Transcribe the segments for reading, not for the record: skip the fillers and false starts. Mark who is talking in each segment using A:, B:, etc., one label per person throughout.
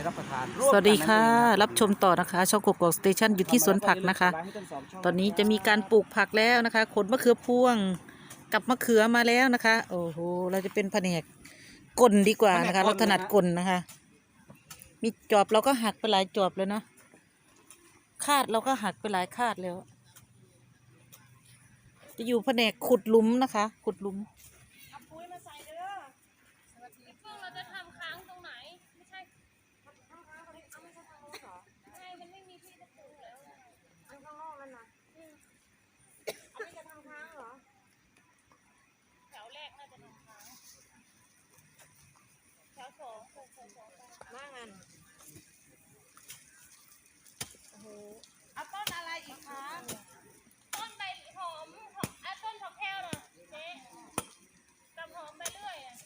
A: รับประทาน
B: สวัสดีค่ะรับชมต่อนะคะช่องกกอกสเตชันอยู่ที่สวนผักนะคะตอนนี้จะมีการปลูกผักแล้วนะคะขนมะเขือพวงกับมะเขือมาแล้วนะคะโอ้โหเราจะเป็นแผนกกลดีกว่านะคะเราถนัดกลนะคะมีจอบเราก็หักไปหลายจอบแล้วเนาะคาดเราก็หักไปหลายคาดแล้วจะอยู่แผนกขุดหลุมนะคะขุดหลุม
C: เอาปุ๋ยมาใส่เด้อเพิ่งเราจะทำค้างตรงไหนไม่ใช่ทำค้างตรงนี้เอาไม่ใช่ทางโน้นเหรอใช่มันไม่มีที่จะปลูกแล้วอันข้างนอกนั่นนะอันนี้จะทำค้างเหรอแถวแรกน่าจะทำค้างแถวสองว่างั้นโอ้โหเอาต้นอะไรอีกคะต้นใบหอมต้นผักแพรวน่ะเจ๊กำหอมไปเรื่อยอะ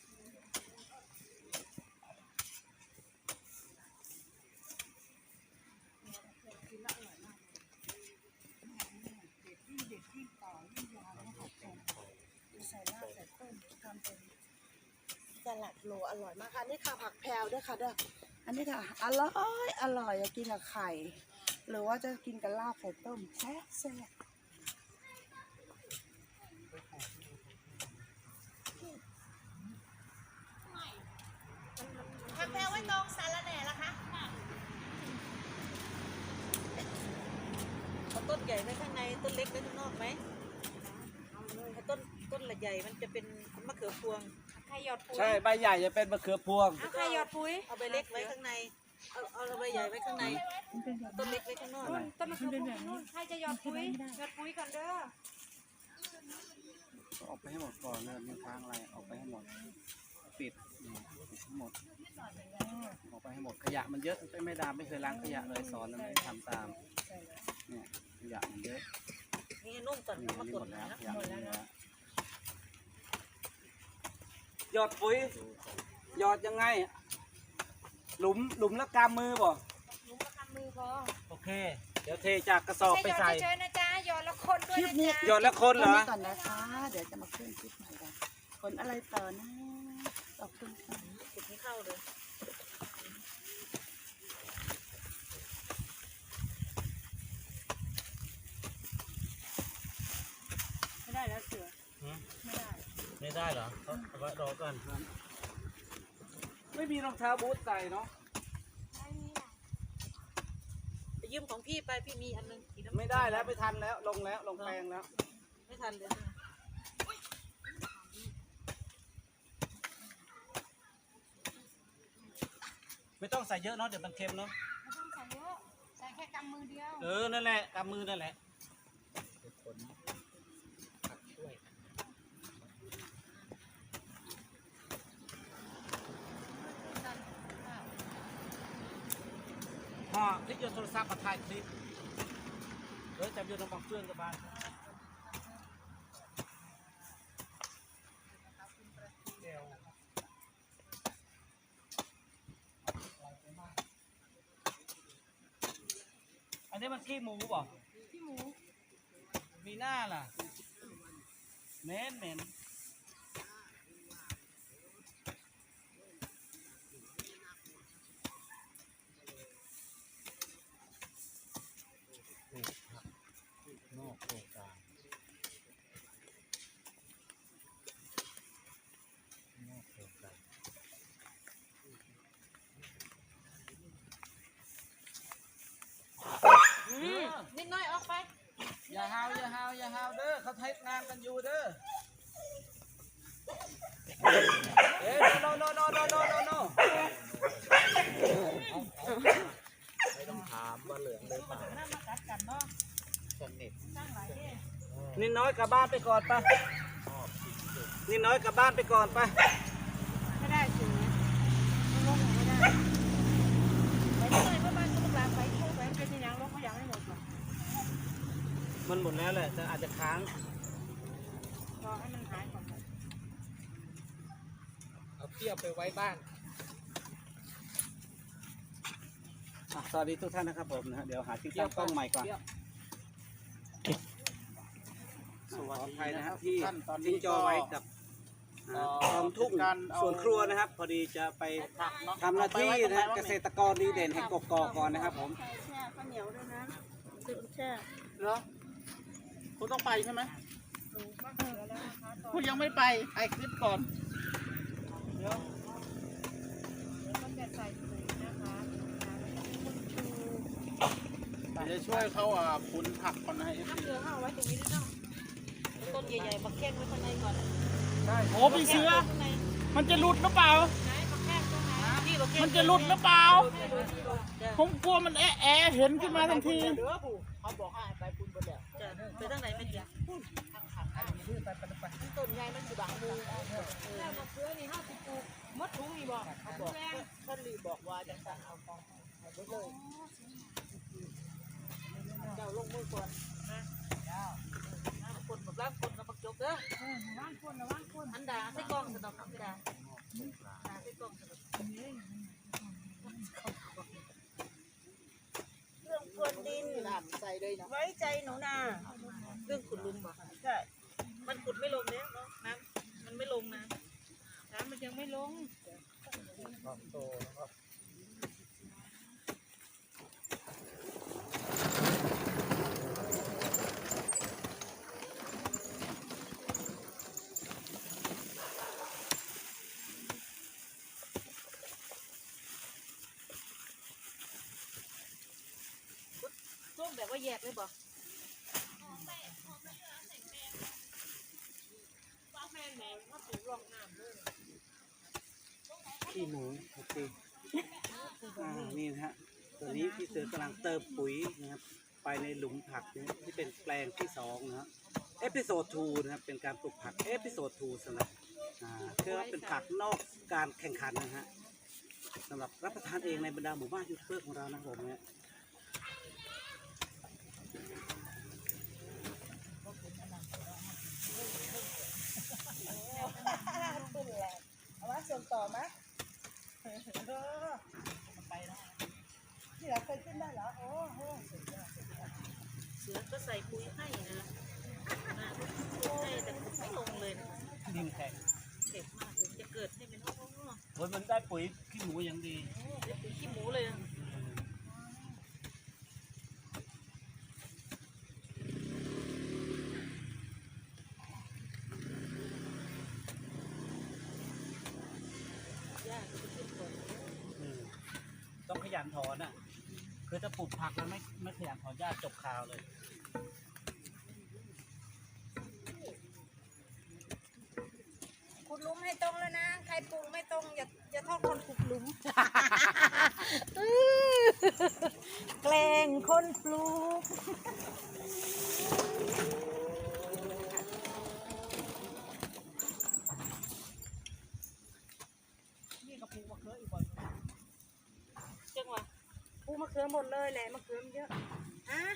D: ใส่รากใส่ต้นทำเป็นสลัดโลอร่อยมากค่ะนี่ค่ะผักแพรวด้วยค่ะเด้ออันนี้ค่ะอร่อยกินกับไข่หรือว่าจะกินกับลาบใส่ต้มแซ่บ
C: ผักแพรวไว้ตรงสาระแหน่ละคะ
B: เอาต้นใหญ่ไว้ข้างในต้นเล็กไว้ข้างนอกไหมถ้าต้นใหญ่มันจะเป็นมะเขือพวง
C: ใครหยอดปุ๋ย
A: ใช่ใบใหญ่จะเป็นมะเขือพวง
C: เอาใครหยอดปุ๋ย
B: เอาใบเล็กไว้ข้างในเอาใบใหญ่ไว้ข้างในต้นเล็กไว้ข้างนอก
C: ต้นมะเขือพวงนู่นใครจะหยอดปุ๋ยหยอดปุ๋ยก่อนเด้อ
A: ออกไปให้หมดก่อนเลยมีทางอะไรออกไปให้หมดปิดทั้งหมดออกไปให้หมดขยะมันเยอะไม่ดามไม่เคยล้างขยะเลยสอนแล้วไม่ทำตามเนี่ยขยะมันเยอะ
B: นี่นุ่มก่อน
A: นี่
B: มาก
A: หม
B: ด
A: ดแล้ว
B: นะ
A: ขยะมันเยอะหยอดปุ๋ยหยอดยังไงหลุมละกำมือบ่
C: หนูประคำมือพอ
A: โอเค เดี๋ยวเทจากกระสอบไปใส่
C: เฉยๆนะจ๊ะหยอดแล้วคนด้วยนะจ๊ะ
A: หยอดแล้วคนเหรอ
D: ก่อนนะคะเดี๋ยวจะมาขึ้นคลิปใหม่กันคนอะไรต่อนะขอบคุณค่ะ
B: จุดนี้เข้าเลย
C: ไม่ได้แล้วเสือไม่ได้
A: ไม่ได้เหรอเอาไว้รอก่อนไม่มีรองเท้าบูทใส่เนาะ
B: ไปยืมของพี่ไปพี่มีอันนึงสีน้ำ
A: ไม่ได้แล้วไม่ทันแล้วลงแปลงแล้ว
B: ไม่ทันเลยนะ
A: ไม่ต้องใส่เยอะเนาะเดี๋ยวมันเค็มเนาะ
C: ไม่ต้องใส่เยอะใส่แค่กำมือเดียว
A: นั่นแหละกำมือนั่นแหละห่อคลิปโยนโทรศัพท์มาถ่ายคลิปจับโยนลงบังเฟืองกับบ้านอันนี้มันขี้หมูป่ะ
C: พี่หมู
A: มีหน้าล่ะเหม็นนอกโครงการนอกโครงการ
B: นิดน้อยออกไป
A: อย่าฮาวเด้อเขาเทงานกันอยู่เด้อโนไม่ต้องถามว่าเหลืองหรือเปล่า
B: น้ำมากัดกันเนาะ
A: สนิท
B: สร้างหลายที่
A: นิดน้อยกลับบ้านไปก่อนไปนิดน้อยกลับบ้านไปก่อนไป
C: ไม่ได้เสือไม่ลงไม่ได้ไปที่ไหนก็มาสุกหลานไปโชว์ไปเป็นที่ยังลงเขาอยากให้หมดหรอ
A: มันหมดแล้วแหละแต่อาจจะค้าง
C: รอให้มันหายก่อน
A: เอาเที่ยวไปไว้บ้านสวัสดีทุกท่านนะครับผมนะเดี๋ยวหาที่ตั้งกล้องใหม่ก่อนขออภัยนะครับที่ทิ้งจอไว้กับคลองทุ่งสวนครัวนะครับ พอดีจะไปทำหน้าที่นะฮะเกษตรกรดีเด่นแห่งกกอกก่อนนะครับผม
D: แช่ข้าวเหนียวด้วยนะติดแช่
E: เหรอคุณต้องไปใช่ไหมคุณยังไม่ไปไอคลิปก่อนเดี๋ยวจะช่วยเขาขุนผักก่อนนะเอฟซี
B: ต้นใหญ่ๆมาแข้งไว้ข้างในก่อน
E: โอ้พี่เสือมันจะหลุดหรือเปล่ามันจะหลุดหรือเปล่าผมกลัวมันแอะเห็นขึ้นมาทันที
B: เขาบอกให้ไปปุ่นบนแล้วไปทางไหนไม่เดียวต้นใหญ่มันอยู่บางมุมแล้วมะเขือนี่ห้าสิบปลูกมดถุงนี่บอกเขาบอกท่านรีบอกว่าจะสั่งเอาของเอาไปเลยเจ้าลงมือก่อนนะคนแบบร่างคนกับปักจกเด้อร่างคนอันดาใส่กล้องสะดอกอันดาใส่กล้องสะดอก
D: เรื่องพรวนดิน
E: น้ำใส่เลยนะ
D: ไว้ใจหนูนา
B: เรื่องขุดลุมบอก
D: ใช่
B: มันขุดไม่ลงเนี่ยน้ำมันไม่ลงน้ำมันยังไม่ลง ช่วงแบบว่าแยกเลยบอก
A: ขี้หมูโอเคนี่นะฮะตอนนี้พี่เสือกำลังเติมปุ๋ยนะครับไปในหลุมผักนะที่เป็นแปลงที่2นะฮะเอพิโซด2นะครับเป็นการปลูกผักเอพิโซด2สำหรับคือว่าเป็นผักนอกการแข่งขันนะฮะสำหรับรับประทานเองในบรรดาหมู่บ้านยูทูบเบอร์ของเรานะผมเนี่ย
D: ขึ้นแหละเอามาส่งต่อไหมที่เราเคยขึ้นได้เหรอโอ้โห
B: เสือก็ใส่ปุ๋ยให้นะให้แต่ขุดไม่ลงเลยนะ
A: ดินแข็ง
B: เด็กมากเลยจะเกิดให้เป็นห้อง
A: โอ้ยมันได้ปุ๋ยขี้หมูอย่างดี
B: ได้ปุ๋ยขี้หมูเลยนะ
A: ต้องขยันถอนอ่ะคือถ้าปลูกผักแล้วไม่ขยันถอนหญ้าจบข่าวเลย
D: ขุดหลุมให้ตรงแล้วนะ ใครปลูกไม่ตรงอย่าโทษคนขุดหลุม แกล้งคนปลูก
B: จังหวะ
D: ปลูกมะเขือหมดเลยแหละมะเขือมันเยอะฮะ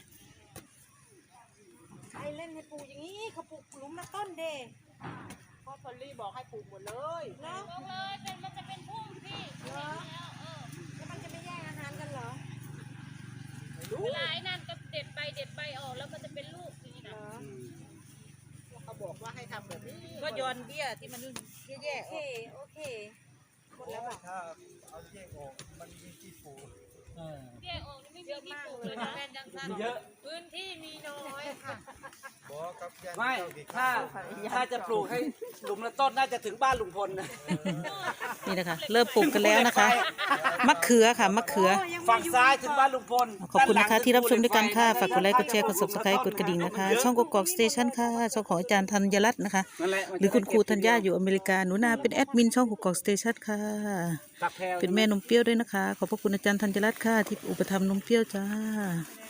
D: ใครเล่นให้ปลูกอย่างนี้เขาปลูกหลุมละต้นเด
E: พ่อพอลลี่บอกให้ปลูกหมดเลย
D: เนาะ
C: ลงเลยเป็นมันจะเป็นพุ่มพี่เห็นแล้ว
D: แล้วมันจะไม่แย่งอาหารกันเหรอ
C: เวลาไอ้นั่นก็เด็ดใบออกแล้วมันจะเป็นลูกอย่างนี้นะ
E: เขาบอกว่าให้ทำแบบนี้
B: ก็โยนเบี้ยที่มันแย่
D: โอเคโอเคหมดแล้วบอก
C: เบี้ยออกนี่ไม่มีที่ปลูกเลยนะแม่จังสั้น
A: เยอะ
C: พื้นที่มีน้อยค่ะ
A: ไม่ถ้าจะปลูกให้หลุมละต้นน่าจะถึงบ้านลุงพลนะ
B: นี่นะคะเริ่มปลูกกันแล้วนะคะมะเขือค่ะมะเขือ
A: ฝั่งซ้ายถึงบ้านลุงพล
B: ขอบคุณนะคะที่รับชมด้วยกันค่ะ ฝากกดไลค์ กดแชร์ กด subscribe กดกระดิ่งนะคะ ช่องกกอกสเตชันค่ะ ช่องของอาจารย์ธัญรัตน์นะคะ
A: นั่นแหละ
B: หรือคุณครูธัญญาอยู่อเมริกา หนูนาเป็นแอดมินช่องกกอกสเตชันค่ะ
A: ตักแพรว
B: เป็นแม่นมเปรี้ยวด้วยนะคะ ขอบพระคุณอาจารย์ธัญรัตน์ค่ะ ที่อุปถัมภ์นมเปรี้ยวจ้า
D: เ